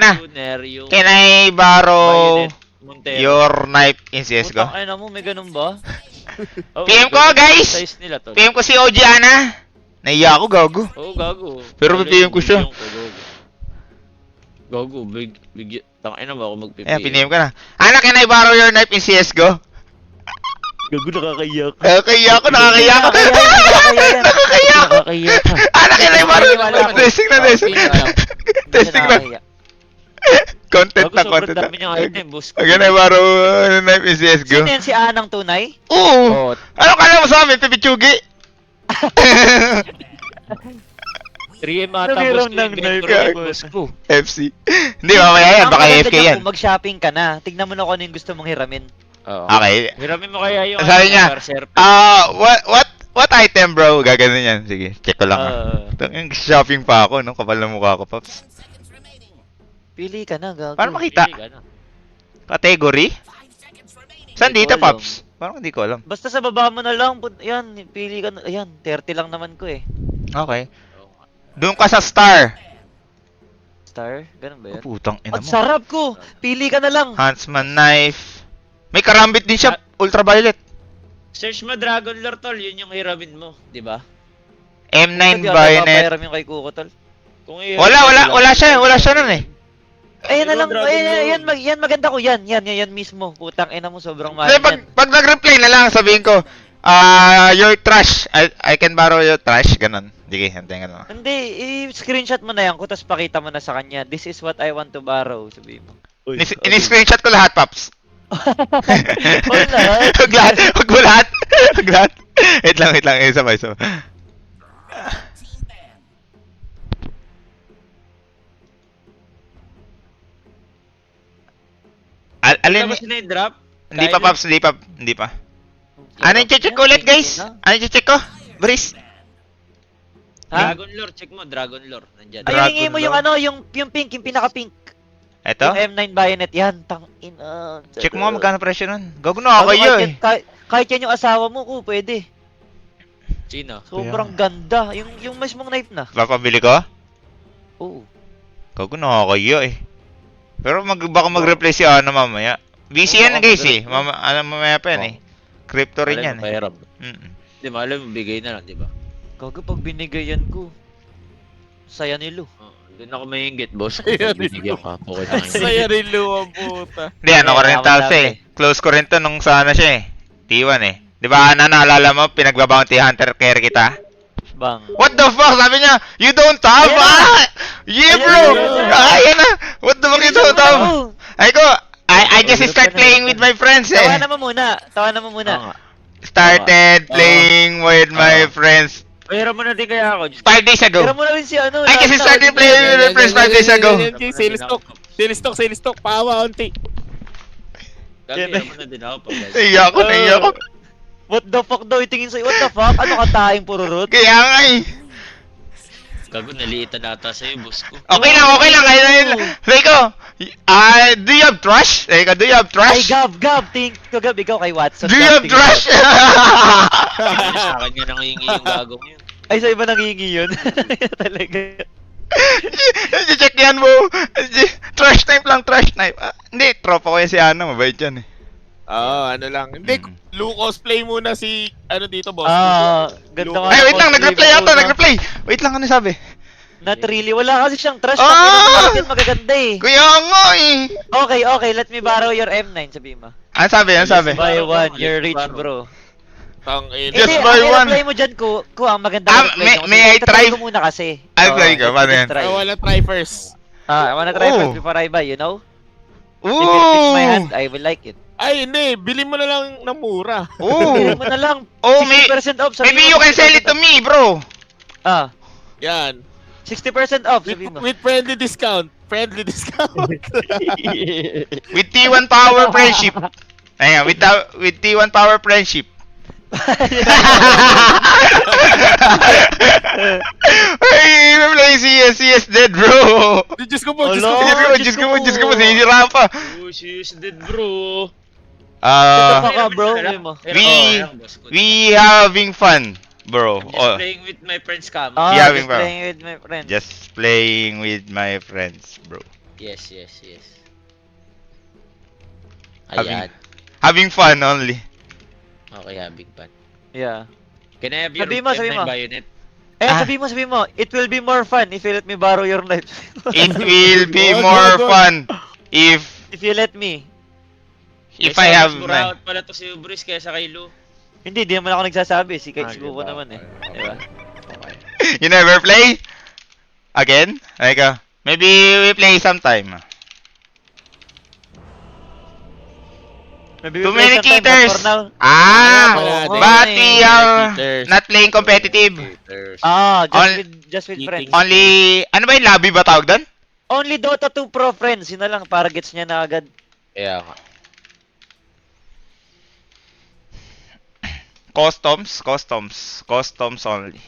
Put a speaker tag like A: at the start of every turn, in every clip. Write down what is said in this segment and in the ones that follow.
A: Ana,
B: Tuner, yung
A: can I borrow
B: Bayonet, Montero.
A: your knife in CSGO?
B: Putang ina mo, may ganun ba? Oo,
A: PM ko,
B: ganun
A: guys!
B: yung size nila, tol.
A: PM ko si OG Ana. Naiya ako, gago.
B: Oo, gago.
A: Pero
B: Lalo
A: PM ko siya.
B: bigyan ko, gago. Gago, tangina ba ako mag-PM?
A: Ayan, piniem ka na. Ana, can I borrow your knife in CSGO?
B: Gago, nakakaiyak.
A: Nakakaya ako, nakakaya ako. Nakakaya ako.
B: Nakakaiyak ka.
A: Ana, can I borrow?
C: Wala ako.
A: Testing na, testing. Testing na. Content
B: Gago,
A: na,
B: sobrang
A: content na.
B: dami niyang item, boss.
A: Can I borrow knife in CSGO?
C: Sino yan si Anang tunay?
A: Oo. Ano kala mo sa amin, Pipichugi?
B: 3M ata,
C: Nabiram
B: boss ko.
C: ng
B: Inventory
C: knife.
B: ko, boss ko.
A: FC. Hindi, mamaya yan.
C: Ang
A: Baka
C: maganda
A: AFK
C: dyan
A: yan.
C: kung mag-shopping ka na. Tignan mo na kung ano yung gusto mong hiramin.
B: Oo.
A: Okay.
B: Hiramin mo kaya yung
A: Sabi niya,
B: Berserker.
A: what item, bro? Gaganon yan. Sige, check ko lang.
B: Ah.
A: Shopping pa ako, no? Kapal na mukha ko, Pops.
C: Pili ka na, gago.
A: Paano makita?
B: Pili ka na.
A: Category? Saan
C: Hindi
A: dito,
C: ko alam.
A: Pops? Parang hindi ko alam.
C: Basta sa baba mo na lang. Yan, pili ka na. Ayan, 30 lang naman ko eh.
A: Okay. Doon ka sa star.
C: Star? Ganun ba
A: Oh,
C: yan?
A: putang ina
C: Ang
A: mo.
C: sarap ko! Pili ka na lang.
A: Huntsman knife. May karambit din siya.
B: Ah.
A: Ultraviolet.
B: Search mo Dragon Lore, tol. Yun yung hiramin mo, di ba?
A: M9
C: Hindi ako
A: bayonet.
C: napapahiram yung kay Kuko, tol.
B: Kung
A: Wala siya nun eh.
C: Ayan na
B: Ayun,
C: lang,
B: Dragon
C: ayan,
B: Lore.
C: yan maganda ko, yan mismo. Putang ina mo, sobrang mahal
A: Kasi
C: yan.
A: pag nag-reply na lang, sabihin ko, your trash. I can borrow your trash. Ganon. Sige, hantayin ka naman.
C: Hindi, i-screenshot mo na yan ko, tapos pakita mo na sa kanya, this is what I want to borrow, sabihin mo.
A: Ini-screenshot ko lahat, Pops.
C: Huwag lahat.
A: Huwag lahat. Huwag mo lahat. Huwag lahat. Wait lang. Isa pa. Alin?
B: Tapos na yung drop?
A: Hindi pa, Pops. Hindi pa. Ano yung check ko ulit, guys? Ano yung check ko? Breeze.
C: Ha?
B: Dragon Lore, check mo. Dragon Lore. Nandyan.
C: Ay,
A: Dragon
C: hingi mo yung
A: Lord.
C: ano, yung pink, yung pinaka-pink.
A: Eto?
C: Yung M9 bayonet, yan, tangin.
A: Check mo nga magkano presyo nun. Gago na kayo eh.
C: Kahit yan yung asawa mo ko, pwede.
B: Sino?
C: Sobrang ganda. Yung mismong knife na.
A: Papabili ko?
C: Oo.
A: Gago na kayo eh. Pero baka mag-replace si ano mamaya. Busy yan
B: Oo, baka
A: guys eh.
B: mag-replace.
A: Mamaya pa yan eh. Crypto rin yan eh.
B: Pahiram.
A: Mm-mm.
B: Di ba, alam mo, bigay na lang, di ba?
C: Gago pag binigayan ko. Saya nilo.
B: Doon ako maingit, boss. Kung
D: Saya
B: binigyan ka, okay lang yun.
D: Saya rin luwang puta.
A: Hindi, ano ko rin
C: tama,
A: talsa
C: tama
A: eh. Close ko rin to nung sana siya eh. T1 eh. Di ba Ana, naalala mo, pinagbabounty hunter care kita?
C: Bang.
A: What the fuck? Sabi niya, you don't have?
C: Ayan na.
A: Ah! Yeah bro! Ayan na! What the fuck you don't have? Ay ko, I just start playing with my friends eh.
C: Tawanan mo muna. Tawanan mo
B: Oo
C: muna.
B: nga.
A: Started playing with my friends
B: Pahiram mo na din kaya ako.
A: 5 days ago.
C: Tira mo na rin si ano.
A: Ay, kasi
C: Lata,
A: started playing with my friends 5 days ago.
D: Sale stock, paawa onti.
B: Pahiram mo na din ako.
A: Naiya ako, naiya ako.
C: What the fuck daw itingin sa'yo? What the fuck? Ano ka taing pururot?
A: Kaya nga eh.
B: Gago, naliitan ata sa'yo, boss ko.
A: Okay lang. Kaya Sabi ko, do you have trash? Sabi ko, do you have
C: Ay,
A: trash?
C: Gab. Think ko Gab, ikaw kay Watson.
A: Do you
C: Gab,
A: have
C: tingin
A: trash?
B: Sa akin nga nangingi yung gagong yun.
C: Ay, sa iba nangingi yun. Talaga.
A: Check yan mo. Trash type lang, trash type. Hindi, tropa ko yan si Ana. Mabait yan eh.
D: Oo, ano lang. Hindi, Lu cosplay muna si, ano dito, boss.
C: Ganda nga.
A: Ay, wait lang.
C: cosplay
A: Nag-reply
C: mo,
A: ako.
C: no?
A: Nag-reply. Wait lang, ano sabi?
C: Not really. Wala kasi siyang trash.
A: Ah!
C: Bakit magaganda eh.
A: Kuya nga eh.
C: Okay. Let me borrow your M9, sabi mo.
A: Ano sabi?
C: Buy one, you're rich, bro.
D: Tang
A: Just
C: Hindi,
A: buy
C: ang
A: one.
C: i-apply mo dyan ko ang maganda
A: Ah,
C: reply nyo.
A: may I try?
C: ko muna kasi.
A: I'll try ka, paano yan?
C: Try.
D: I wanna try first.
C: I wanna try
A: Oh.
C: first before I buy, you know? If it fits my
A: Ooh.
C: hand, I will like it.
D: Ay, hindi. Bili mo na lang ng mura.
C: Bili
A: Ooh.
C: mo na lang.
A: Oh,
C: 60% off. sabi
A: maybe
C: mo,
A: you can sell it to
C: 60%
A: me, bro.
C: off.
D: Yan.
C: 60% off, sabi mo.
D: With friendly discount. Friendly discount.
A: With T1 Power Friendship. Ayan, with T1 Power Friendship. Ay, may play CS dead, bro.
D: Diyos ko po, Diyos
C: Alo.
D: ko po.
A: Diyos ko po, sinisira pa.
B: Oh, she's dead, bro.
C: Fuck ka, bro. Sabi mo.
A: We having fun, bro.
B: I'm just
A: Oh,
B: playing with my friends, Cam.
C: Ah,
A: Yeah,
C: just
A: bro.
C: playing with my friends.
A: just playing with my friends, bro.
B: Yes, yes, yes.
A: Having-
B: Ayan.
A: Having fun only.
B: Okay, having fun.
C: Yeah.
B: Can I have your
C: Sabi mo, sabi
B: M9
C: mo.
B: bayonet?
A: Ah.
C: Sabi mo, it will be more fun if you let me borrow your knife.
A: It will be
D: Good,
A: more
D: good, good.
A: fun if
C: If you let me.
A: I have
B: Mas
A: my...
B: muraot pala to si Ubris kaysa kay Lu.
C: Hindi, di naman ako nagsasabi. Si
B: Ah,
C: Gugo
B: diba?
C: naman eh.
B: Okay,
C: Diba?
B: Okay.
A: You never play? Again? Like, maybe we play sometime.
C: Maybe
A: Too
C: we play
A: many
C: sometime, but
A: cheaters!
C: for now.
A: Ah!
C: Oo,
A: But
C: eh.
A: we are
D: Cheaters.
A: not playing competitive.
B: Cheaters.
C: Just with friends.
A: Only... Ano ba yung lobby ba tawag doon?
C: Only Dota 2 Pro friends. Yun na lang, para gets niya na agad.
B: Kaya nga.
A: Customs only.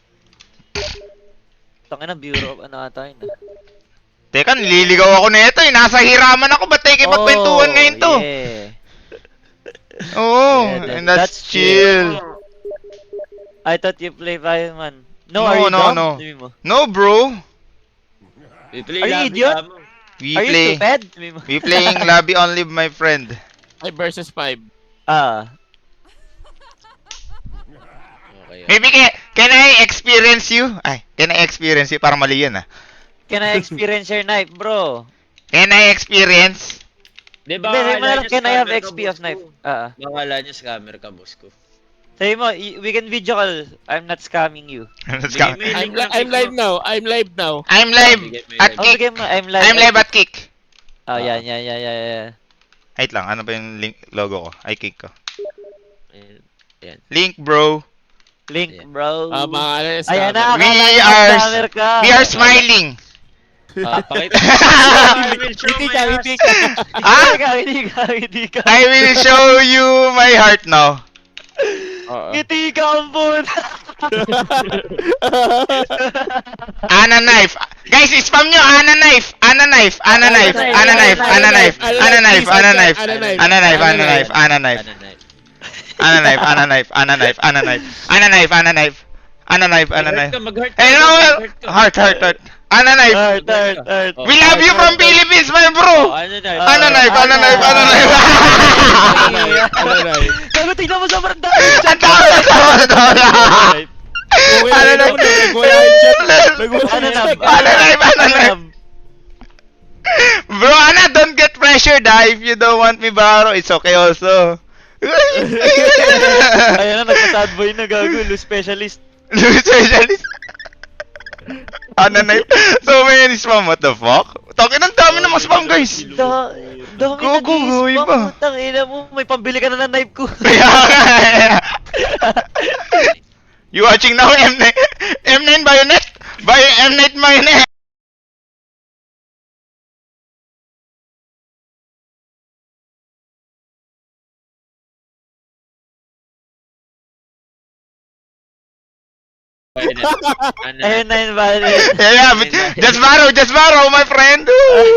C: Tangina, Bureau of ano ata yun.
A: Teka, nililigaw ako na ito eh. Nasa hiraman ako. Ba't tayo magkwentuhan ngayon to?
C: Yeah.
A: Oo,
C: Yeah,
A: and that's chill.
C: I thought you play Fireman. No,
A: No,
C: are you
A: no,
C: dumb?
A: no.
C: Sabi mo.
A: No, bro.
B: We play
C: Are you
B: lobby,
C: idiot?
B: amo.
A: We
C: Are you
A: play...
C: stupid? Sabi mo.
A: We playing lobby only, my friend.
D: 5 versus 5.
C: Ah.
B: Okay.
A: Maybe can I experience you? Ay, can I experience you? Parang mali yun ah.
C: Can I experience your knife, bro?
A: Can I experience?
B: Di
C: Hindi, sabi mo na lang,
B: niya
C: can I have
B: scammer ka,
C: XP
B: boss
C: of knife?
B: ko.
C: Ah.
B: Bakala niya scammer ka, boss ko.
C: Sabi mo, we can video call. I'm not scamming you.
A: Let's go.
B: Bigay mo yung link ng
D: I'm
B: kick
D: live
B: mo.
D: now. I'm live now.
A: I'm live
B: Bigay mo
A: at
B: yung
C: Oh,
A: kick.
C: bigay mo, I'm live.
A: I'm live at kick.
C: Oh, yan.
A: Wait lang, ano ba yung link logo ko? Ay, kick ko.
B: Ayan.
A: Link, bro.
C: Link,
B: Yeah.
C: bro.
D: Mga ano,
C: Ayan na,
A: We
C: akala ko
A: are-
C: scammer ka.
A: We are smiling.
B: Pakita. I will show
D: Hindi
B: my
D: ka,
B: ass.
D: hindi ka.
A: Ah?
C: Hindi ka.
A: I will show you my heart now.
C: Ngiti ka, ampun.
A: Ana knife. Guys, spam nyo. Ana knife. Ana knife. Ana knife. Ana knife. Ana knife. Ana knife. Ana knife. Ana knife. Ana knife. Ana knife. Ana knife. Ana knife. Ana knife. Ana knife. Ana knife. Ana knife. Ana knife. Ana knife. Ana knife.
B: Mag-heart ka.
A: Eh, no, heart, heart, heart. Ana knife.
C: Heart.
A: We love you from Philippines, my bro.
B: Ano na?
A: Ana knife. Ana knife. Ana knife.
C: Gago, tignan mo sa baranda.
A: Ang tao na tao na tao na. Ano na?
C: Ano na?
A: Ana knife. Ana knife. Bro, Ana, don't get pressured if you don't want me borrow. It's okay also.
C: Ayan na, nagpa-sad boy na gago. Lu specialist.
A: Specialist. Ana knife. So many spam. What the fuck? Takin ang dami namang spam, guys.
C: Dami na
A: Gogo, goy pa.
C: Putang ina mo, may pambili ka na ng knife ko.
A: Kaya nga. You watching now M9 M9 bayonet? M9 bayonet.
C: Ayun na yun, bali.
A: Yeah, but just borrow, my friend.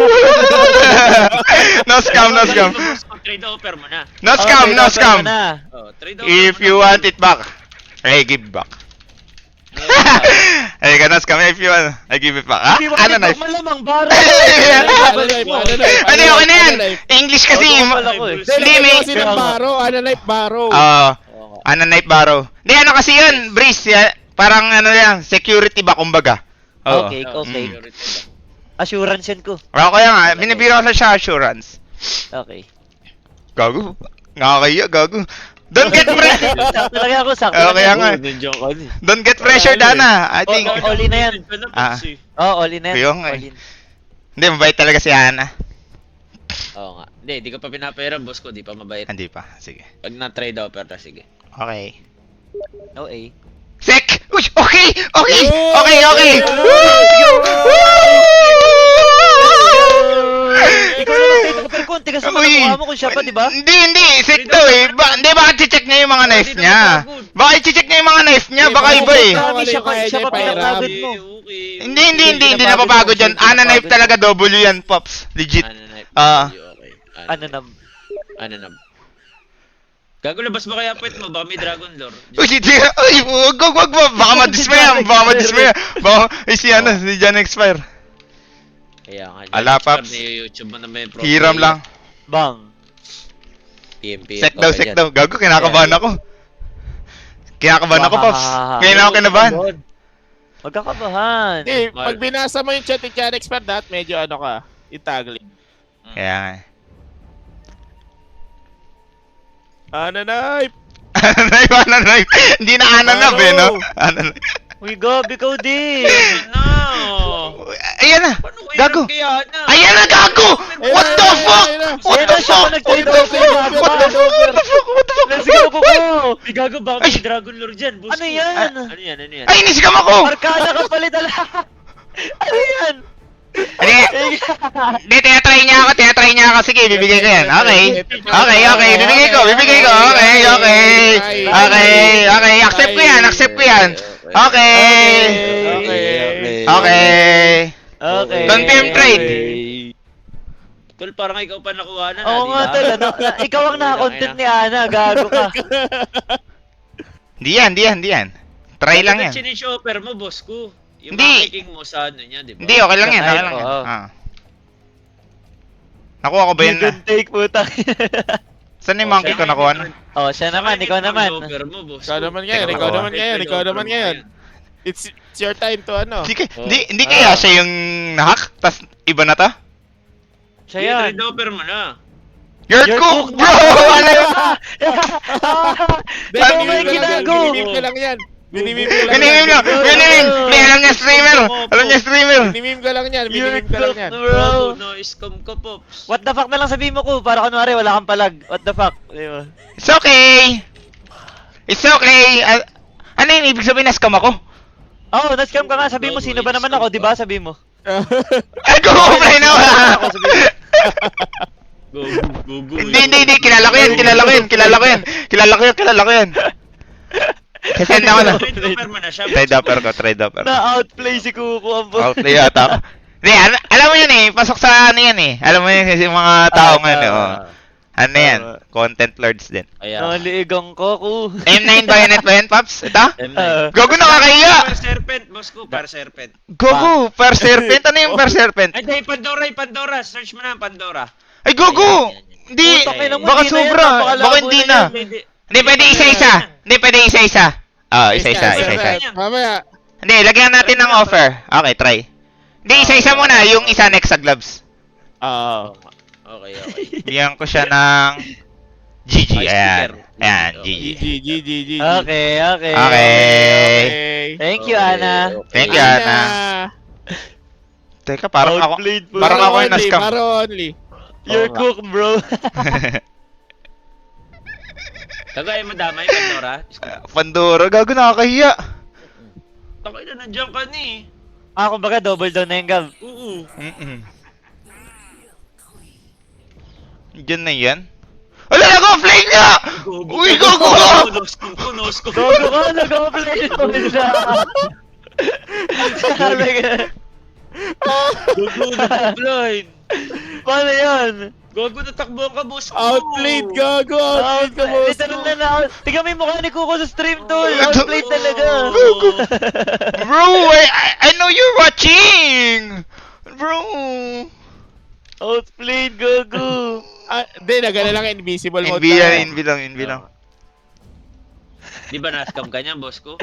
A: No scam, no scam.
B: Trade offer mo na.
A: No scam, no scam.
B: Oh, trade offer
A: If
B: mo
A: you
B: na.
A: want it back, I give back. Ay, ka no scam. If you want, I give it back. Ha? Ano knife?
C: Malamang baro.
A: Ano yun, ano yan? English kasi.
D: Hindi,
A: may-
D: kasi ng baro. Ano like baro?
A: Ano knife borrow? Hindi, ano kasi yun, Breeze. Parang ano yan, security ba kumbaga? Oo.
C: Okay.
B: Security ba?
C: Assurance yan ko.
A: Kaya nga, binibiro ko siya assurance.
C: Okay.
A: Gago. Nakakaya, gago. Don't get pressured.
C: Sakto lang ako, sakto
A: Oh,
C: lang
A: kaya
C: yan.
A: nga.
B: Nandiyan ka din.
A: Don't get pressured, Ana. I think.
C: All in na yan.
A: Ah.
C: Oh, all in na yan.
A: Kaya nga eh.
C: All in.
A: Hindi, mabait talaga si Ana.
B: Oo nga. Hindi, di ko pa pinapayaran, boss ko. Di pa mabait.
A: Hindi pa. Sige.
B: Pag na-trade offer na, sige.
A: Okay.
C: No A.
A: Sek! Uy! Okay! Okay! Okay! Okay!
C: Ikaw na lang tayo pero kung tigas naman ang mukha mo kung siya pa, di ba?
A: Hindi! Sek daw eh! Hindi, baka check niya yung mga knife niya. Baka check niya yung mga knife niya. Baka iba eh.
C: Siya pa pinapagod mo.
B: Okay.
A: Hindi napapagod yan. Ana knife talaga, W yan, Pops. Legit.
B: Ano na?
A: Ah.
B: Okay.
C: Ano na?
B: Ano na? Gago, labas mo kaya puwet mo? Baka may Dragon Lore.
A: Uy, wag. Baka madismaya. Baka madismaya. Baka, si John expire.
B: Kaya nga.
A: Ala, Paps.
B: YouTube mo na may pro
A: Hiram
B: player.
A: lang.
C: Bang.
B: PMP.
A: Sek daw, sek daw. Gago, kinakabahan ako. Kinakabahan ako, Pops. Ngayon ako kinabahan.
C: Magkakabahan.
D: Hindi, pag binasa mo yung chat ni Chan Expert dat, medyo ano ka, itagli.
A: Kaya nga.
D: Ananay!
A: Ananayf, ananayf. Hindi na ananab eh, no? Ananayf.
C: Uy, Gab, ikaw din.
B: No!
A: Ayan na.
B: Paano ko
A: Gago.
B: hirap kaya na?
A: Ayan na, gago! What the fuck? What
C: Ayan
A: the
C: na siya,
A: fuck?
C: nag-trade
A: What the
C: off.
A: fuck? What the fuck? What the fuck? What the fuck?
C: Let's go, Kuko.
B: Ay, gago, baka may Dragon Lord dyan. Boss
C: Ano
B: ko.
C: yan?
B: Ano yan? Ano yan?
A: Ay, inisigam ako!
C: Arkada ka palit ala. Ano yan?
A: Hindi, hindi, tinatry niya ako. Sige, bibigay ko yan. Okay. Okay, bibigay ko. Okay. Accept ko yan. Okay.
C: Okay.
A: Confirm trade.
B: Tol, parang ikaw pa nakuha na.
C: Oo
B: di
C: nga,
B: ba?
C: tol. Ikaw ang nakakontent ni Ana. Gago ka.
A: Di yan. Try lang yan.
B: Chinig offer mo, boss ko. Yung
A: Hindi.
B: makiking mo sa ano niya, di ba?
A: Hindi, okay lang yan.
C: Kahit,
A: Okay lang yan.
C: oo.
A: Nakuha ko ba yun
C: You
A: na?
C: can take, puta.
A: Saan yung monkey ko nakuha na?
C: Oh, siya naman. Ikaw naman.
B: Offer mo, boss
D: Ikaw
B: ko.
D: naman ngayon,
A: Teka,
D: ikaw naman ngayon. It's your time to ano.
A: Hindi kaya siya yung nahack? Tas iba na to?
C: Siya
B: Yan.
C: yan.
B: Trade offer mo na.
A: You're
C: You're
A: cooked,
C: cooked,
A: bro! Ano yun?
C: Ikaw may ginago.
D: Binimim ko lang yan. Binimim ko lang
A: Minimim
D: yan.
A: lang! Minimim! May alam niya streamer! Alam niya streamer!
D: Binimim ko lang yan.
C: You're
D: Binimim ko lang
C: cooked,
D: yan.
C: bro.
B: No, scam ka, Pops.
C: What the fuck na lang sabihin mo ko? Para kunwari wala kang palag. What the fuck? Di ba?
A: It's okay! It's okay! Ano yung ibig sabihin na scam ako?
C: Oh, na-scam ka nga. Sabihin mo, sino ba naman ako? Di ba? Sabihin mo.
A: Ay, go-play na wala!
C: Ako, sabihin mo.
B: Go.
A: Hindi, kilala ko yan. Sasend ako na.
B: Trade offer mo na siya,
A: Trade offer ko.
C: Na-outplay si Kuko ang boss.
A: Outplay yata ako. Hindi, alam mo yun eh, pasok sa ano yan eh. Alam mo yun kasi yung mga tao ngayon eh. Oh. Ano yan? Content lords din.
B: Ayan.
C: Naliigang ko, Ku.
A: M9 bayonet ba yan, Paps? Ito?
B: M9.
A: Gogo, nakakahiya!
B: Per serpent, boss ko, per serpent.
A: Gogo, per serpent? Ano yung per serpent?
B: Ay, dahil Pandora. Search mo na ang Pandora.
A: Ay, Gogo! Hindi!
C: Putang ina mo,
A: Baka
C: hindi na yan,
A: sobra.
C: napakalabo
A: Baka hindi
C: na
A: na.
C: yan.
A: Hindi, pwede isa-isa. Ah, isa-isa.
D: Mamaya.
A: Hindi, lagyan natin ng offer. Okay, try. Hindi, isa-isa muna. Yung isa next sa gloves.
D: Oo.
B: Okay.
A: Bigyan ko siya ng GG.
B: Ay,
A: Ayan.
B: sticker.
A: Ayan,
B: Okay.
A: GG.
D: GG.
C: Okay.
A: Okay.
C: Thank you, Ana.
A: Thank you, Ana. Teka, parang ako
C: Outplayed po.
A: parang ako yung na-scam.
D: Baro only.
C: You're cooked, bro.
B: Tagay mo damay, Pandora.
A: Pandora, gago, nakakahiya.
B: Takay na nandiyan ka ni.
C: Kumbaga double down na yung Gab.
B: Oo.
A: Diyan na yan. Wala na ko, flame niya! Uy, gogo!
B: No-scope.
C: Gogo ka, nag-play naman siya. Sabi ka.
B: Gogo, nag-blind.
C: Paano yan?
B: Gogo, natakbo ka, boss ko.
D: Outplayed, gago. Outplayed ka, boss.
C: Literal na. Tingnan mo yung mukha ni Kuko sa stream, tol. Outplayed talaga.
A: Bro, I know you're watching! Bro!
C: Outplayed, Gogo.
D: Hindi, nagana lang invisible mode.
A: Envy lang.
B: Di ba na-scam ka niyan, boss ko?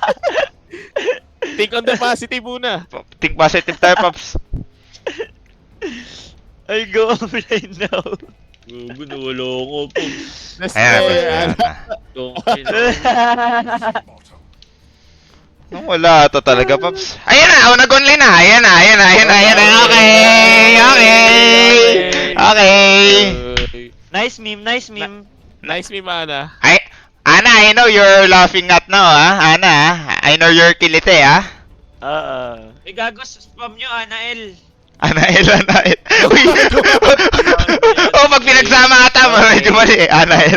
D: Think on the positive muna.
A: Think positive tayo, Pops.
C: I go offline now.
B: Gogo, nawala ako po.
A: Ayan,
B: Yung
A: Nung wala to talaga, Pops. Ayan na, nag-online na. Ayan na. Okay.
C: Nice meme.
D: Nice me, mana.
A: Ana, I know you're laughing at now, ah. Ana, I know you're kilite, ah.
B: Eh, gago, spam nyo, Anael.
A: Anael. Uy! Oh, pag pinagsama ata, medyo mali. Anael.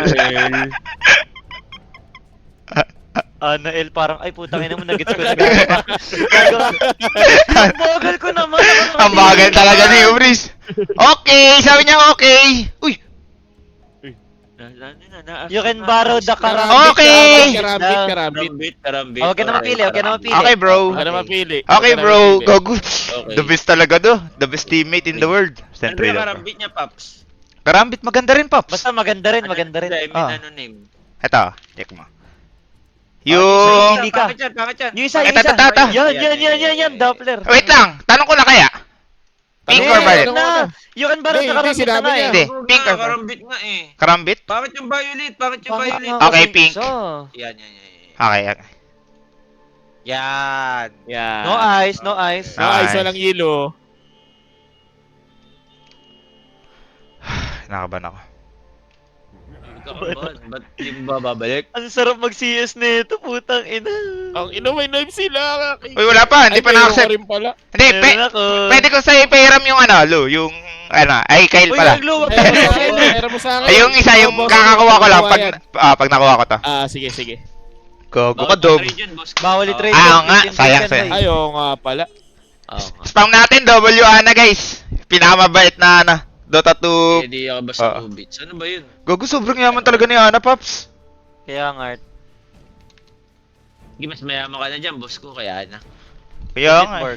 C: Anael, parang, ay putang ina mo, nagets ko na gagawa. Ang bagal ko naman.
A: Ang bagal talaga ni Ubris. Okay, sabi niya okay. Uy!
C: You can borrow the
A: Okay!
D: Karambit.
B: Karambit.
C: Huwag ka na mapili, huwag ka na mapili.
A: Okay, bro.
D: Huwag ka na mapili.
A: Okay, bro. Gogo.
B: Okay.
A: The best talaga do. The best teammate in the world.
B: Ano
A: Sentry
B: ba
A: lang.
B: karambit niya, Paps?
A: Karambit maganda rin, Pops.
C: Basta maganda rin, maganda rin.
B: I mean,
A: Ah.
B: ano name?
A: Ito, check mo.
C: Yung-
A: Yung...
C: Hindi ka.
B: Pangit yan, pangit yan.
C: Yung isa, yung
A: Ito,
C: isa.
A: ito, ito.
C: Yan, Doppler.
A: Wait lang. Tanong ko na kaya. Pink or violet?
C: Na. You can borrow
D: Hindi,
C: the
D: hindi,
C: karambit na
D: sinabi
C: nga
D: niya.
C: eh.
A: Hindi.
B: Oo
A: Pink
B: nga,
A: or
B: karambit nga eh.
A: Karambit?
B: Bakit yung violet? Bakit yung
C: Bakit
B: violet?
C: nga
A: Okay,
C: kasing
A: pink.
C: isa?
B: Yan, yan, yan.
A: Okay, okay.
B: Yan. Yan.
C: No ice, no ice.
D: No, ice, walang yelo.
A: Nakaban ako.
B: Ba't di mo ba babalik?
C: Ang sarap mag-CS na ito, putang ina.
D: Ang ino, may knife sila.
A: Uy, wala pa. Hindi pa na-accept.
D: rin pala.
A: Hindi,
C: Meron ako.
A: pwede ko sa'yo ipahiram yung ano, Lu, yung, ano, ay, Kyle
C: Uy,
A: pala.
C: nagluwag
D: Meron mo sa akin, meron mo sa akin.
A: Ay, yung isa, yung
D: Boss,
A: kakakuha ko lang
D: yan.
A: pag nakuha ko to.
D: Sige, sige.
A: Gogo ka, dog.
C: Bawal i-trade.
A: Ah, oo nga,
C: Fifteen
A: sayang,
C: percent
A: sayang.
C: na eh.
D: Ayaw nga pala.
A: Spam natin, W Ana, guys. Pinakamabait na, ano, Dota 2.
B: Hindi ako basta 2 bits. Ano ba yun?
A: Gogo, sobrang yaman talaga ni Ana, Paps.
C: Kaya nga, Art.
B: Hindi, mas mayaman ka na dyan, boss ko. Kaya na.
A: Kaya nga.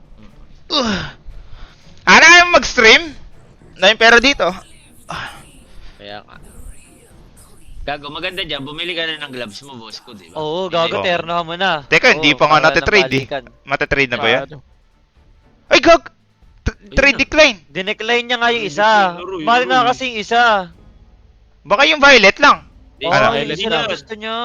A: Ana, ayaw mag-stream? Na yung pera dito.
B: Kaya ka. Gago, maganda dyan. Bumili ka na ng gloves mo, boss ko, di ba?
C: Oo, gago,
A: Oo.
C: terno ka muna.
A: Teka, hindi
C: Oo,
A: pa nga
C: para
A: natitrade eh.
C: nabalikan.
A: Matatrade na ba yan?
D: Ano?
A: Ay, gag! Trade decline.
C: Dinecline niya nga yung isa.
B: Laro,
C: Mahal nga
B: laro.
C: kasi yung isa.
A: Baka yung violet lang.
B: Hindi,
C: Oo,
A: Ano?
C: yung isa lang gusto niya.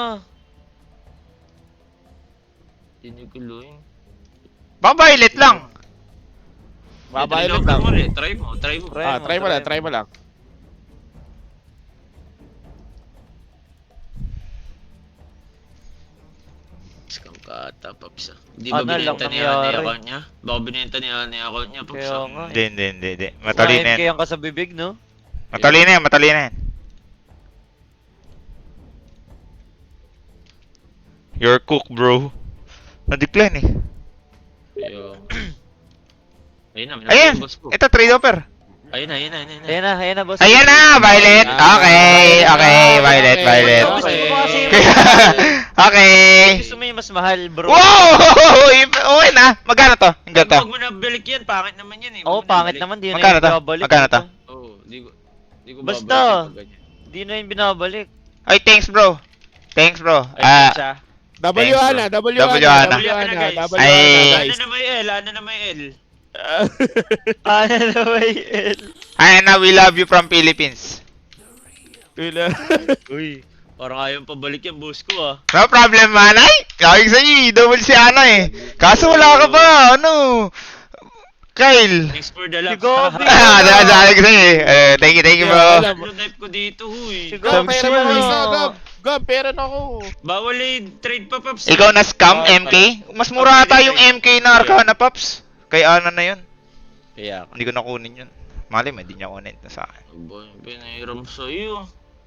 B: Tiniguloy.
A: Baka violet lang.
D: Violet lang.
B: Try mo.
D: Try mo lang, try mo lang.
B: Scam ka ata, Paps. Hindi ba
C: Ano lang
B: binenta ni
C: nangyari?
B: Ani account niya? Baka binenta ni Ani account niya, Paps.
C: Kaya nga.
A: Hindi. Matalino
C: Matalino
A: yan.
C: yan ka sa bibig, no?
A: Matalino yan. You're cook, bro. Na-decline eh.
B: Ayun na,
A: Ayan!
B: boss ko.
A: Ito, trade offer.
B: Ayun na.
C: Ayan na, boss.
A: Ayan na, violet. Okay, violet.
C: Gusto mo ba kasi
A: Okay.
C: gusto mo yung mas mahal, bro?
A: Wow! Okay na. Magkano to? Ang ganito.
B: Huwag mo na balik yan, pangit naman yan eh.
C: Oo, pangit naman, di na
A: Magkano
C: yung
A: to?
C: binabalik.
A: Magkano to?
B: Oo, di ko
C: Basta.
B: babalik pag ganyan.
C: Di na yung binabalik.
A: Ay, thanks, bro. Thanks, bro.
B: Ay, siya.
D: W
A: Thanks,
D: Ana,
A: bro.
D: W
A: W
D: Ana,
A: Ana.
D: W Ana,
B: Guys.
D: W
A: Ay.
D: Ana,
B: Ano
D: guys.
B: na may L? Ano na may L?
C: Ano na ba yun?
A: Ana, we love you from Philippines.
B: Uy, parang ayaw pabalik yan, boss ko ah.
A: No problem, manay. Kawig sa'yo, double si Ana eh. Kaso wala ka pa, ano? Kyle.
B: Thanks for the love.
C: Si Gobi.
A: Dahil ko sa'yo eh. Thank you, bro.
B: Ano type ko dito, huy.
C: Si
D: Gab,
C: Gobi.
D: pera mo isa, Gab. Gab, pera na ako.
B: Bawal eh, trade pa, Paps.
A: Ikaw na scam, MK? Mas mura ata yung MK na Arcana, Paps. Kay Ana na yun.
B: Kaya ka.
A: Hindi ko nakunin yun. Mali mo, hindi niya kunin na sa akin.
B: Boy, pinahiram sa'yo.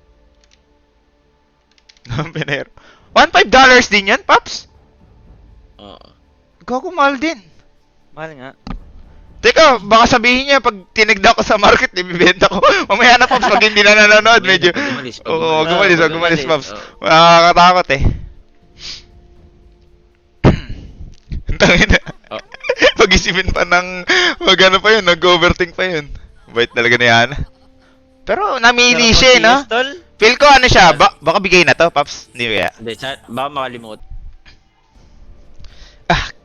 A: Pinero. $1.5 din yan, Paps?
B: Oo.
A: Gago, mahal din.
C: Mahal nga.
A: Teka, baka sabihin niya pag tinigda ko sa market, ibibenta ko. Mamaya na, Paps, pag hindi na nanonood, medyo... Oo, wag umalis, Paps. Nakakatakot eh. Tangin na.
B: Oh.
A: Pag-isipin pa ng... Mag-ano pa yun, nag-overthink pa yun. Bait talaga ni Ana. Pero namili siya eh, no?
C: Tol?
A: Feel ko ano siya, baka bigay na to, Paps. Hindi kaya.
B: Hindi, baka makalimut.
A: Ah,